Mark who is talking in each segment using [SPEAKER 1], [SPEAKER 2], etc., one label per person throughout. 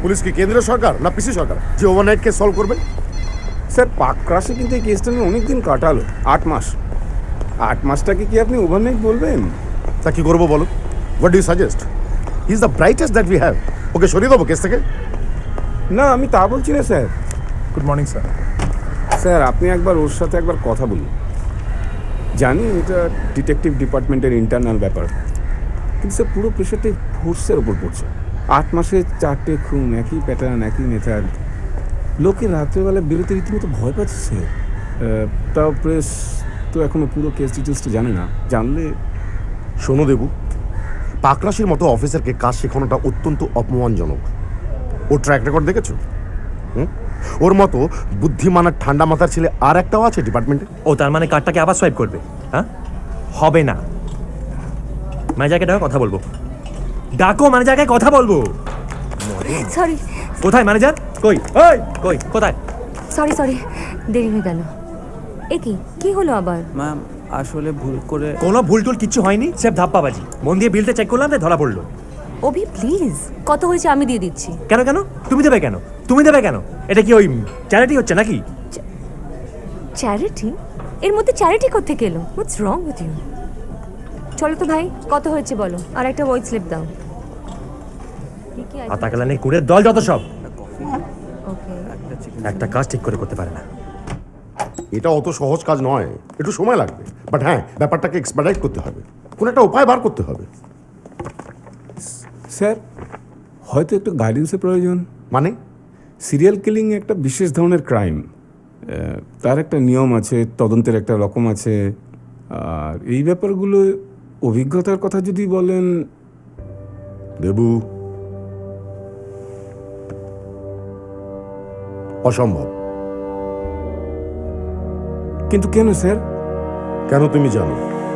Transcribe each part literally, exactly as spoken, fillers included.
[SPEAKER 1] Police কি কেন্দ্রীয় সরকার না পিসি সরকার যে ওভারনাইট কেস সলভ করবে?
[SPEAKER 2] স্যার পাকরাশে কিন্তু এই কেসটা নিয়ে অনেক দিন কাটালো, আট মাস। আট মাসটাকে কি আপনি ওভারনাইট বলবেন?
[SPEAKER 1] তা কি করবো বলো? What do you suggest? He is the brightest that we have. Okay সরিয়ে দেবো কেস থেকে?
[SPEAKER 2] না, আমি তা বলছি না sir.
[SPEAKER 3] Good morning sir.
[SPEAKER 2] Sir আপনি একবার ওর সাথে একবার কথা বলুন। জানি এটা ডিটেকটিভ ডিপার্টমেন্টের ইন্টারনাল ব্যাপার, কিন্তু স্যার পুরো প্রেশারটা ফোর্সের ওপর পড়ছে। আট মাসে চারটে খুন, একই প্যাটার্ন, একই মেথড। লোকে রাত্রেবেলা বেরোতে রীতিমতো ভয় পাচ্ছে স্যার। তাও প্রেস তো এখনো পুরো কেস ডিটেলসটা জানে না। জানলে
[SPEAKER 1] শোনো দেবু, পাকরাশির মতো অফিসারকে কাজ শেখানোটা অত্যন্ত অপমানজনক। ওর ট্র্যাক রেকর্ড দেখেছো? হুম, ওর মতো বুদ্ধিমান আর ঠান্ডা মাথার ছেলে আর একটাও আছে ডিপার্টমেন্টে।
[SPEAKER 4] ও তার মানে কার্ডটাকে আবার সোয়াইপ করবে? হ্যাঁ, হবে না। ম্যানেজারকে ডাকো, কথা বলবো। ডাকো ম্যানেজারকে, কথা বলবো।
[SPEAKER 5] সরি।
[SPEAKER 4] কোথায় ম্যানেজার? কই ওই কই কোথায়?
[SPEAKER 5] সরি সরি দেরি হয়ে গেল। এ কি কি হলো আবার?
[SPEAKER 6] ম্যাম আসলে ভুল করে।
[SPEAKER 4] কোনো ভুল টুল কিচ্ছু হয়নি, সেফ ধাপ্পাবাজি। মন দিয়ে বিলটা চেক করলাম, ধরা পড়লো।
[SPEAKER 5] অভি প্লিজ, কত হয়েছে আমি দিয়ে দিচ্ছি।
[SPEAKER 4] কেন কেন তুমি দেবে কেন? তুমি দেবে কেন? এটা কি ওই চ্যারিটি হচ্ছে নাকি?
[SPEAKER 5] চ্যারিটি? এর মধ্যে চ্যারিটি কোত্থেকে এলো? What's wrong with you? চলো তো ভাই, কত হয়েছে বলো, আর একটা ওয়াইট স্লিপ দাও।
[SPEAKER 4] আতাকালানি কুড়ের দল যত সব,
[SPEAKER 5] ওকে।
[SPEAKER 4] একটা কাজ ঠিক করে করতে পারে না।
[SPEAKER 1] এটা অত সহজ কাজ নয়, একটু সময় লাগবে। বাট হ্যাঁ, ব্যাপারটাকে এক্সপার্টাইজ করতে হবে, কোনো একটা উপায় বার করতে হবে।
[SPEAKER 2] স্যার হয়তো একটু গাইডেন্সের প্রয়োজন।
[SPEAKER 1] মানে
[SPEAKER 2] সিরিয়াল কিলিং একটা বিশেষ ধরনের ক্রাইম, তার একটা নিয়ম আছে, তদন্তের একটা রকম আছে। আর এই ব্যাপারগুলো অভিজ্ঞতার কথা যদি বলেন।
[SPEAKER 1] দেবু, অসম্ভব।
[SPEAKER 2] কিন্তু কেন স্যার?
[SPEAKER 1] কেন তুমি জানো?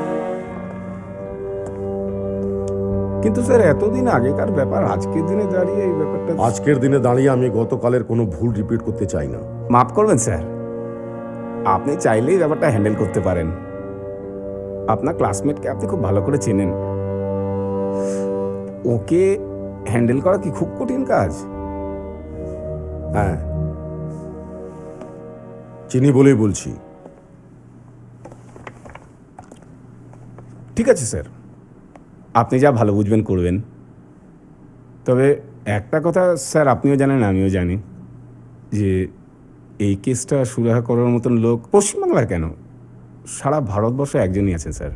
[SPEAKER 2] কিন্তু স্যার এতদিন আগেকার ব্যাপার, আজকের দিনে দাঁড়িয়ে এই ব্যাপারটা।
[SPEAKER 1] আজকের দিনে দাঁড়িয়ে আমি গতকালের কোনো ভুল রিপিট করতে চাই না।
[SPEAKER 2] মাফ করবেন স্যার, আপনি চাইলেই ব্যাপারটা হ্যান্ডেল করতে পারেন। আপনার ক্লাসমেটকে আপনি খুব ভালো করে চেনেন। ওকে হ্যান্ডেল করা কি খুব কঠিন কাজ?
[SPEAKER 1] হ্যাঁ, চিনি বলেই বলছি।
[SPEAKER 2] ঠিক আছে স্যার, আপনি যা ভালো বুঝবেন করবেন। তবে একটা কথা স্যার আপনিও জানেন, আমিও জানি, যে এই কেসটা সুরাহা করার মতন লোক পশ্চিমবাংলার কেন, সারা ভারতবর্ষে একজনই আছে স্যার।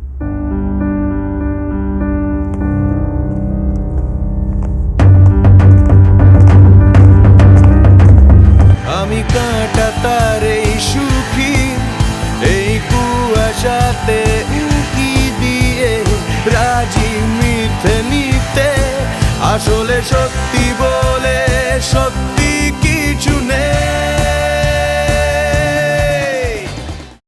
[SPEAKER 7] আমি কাঁটা তার এই সুখী, এই কুয়াশাতে উঁকি দিয়ে রাজি মিথ্যে নিতে, আসলে সত্যি বলে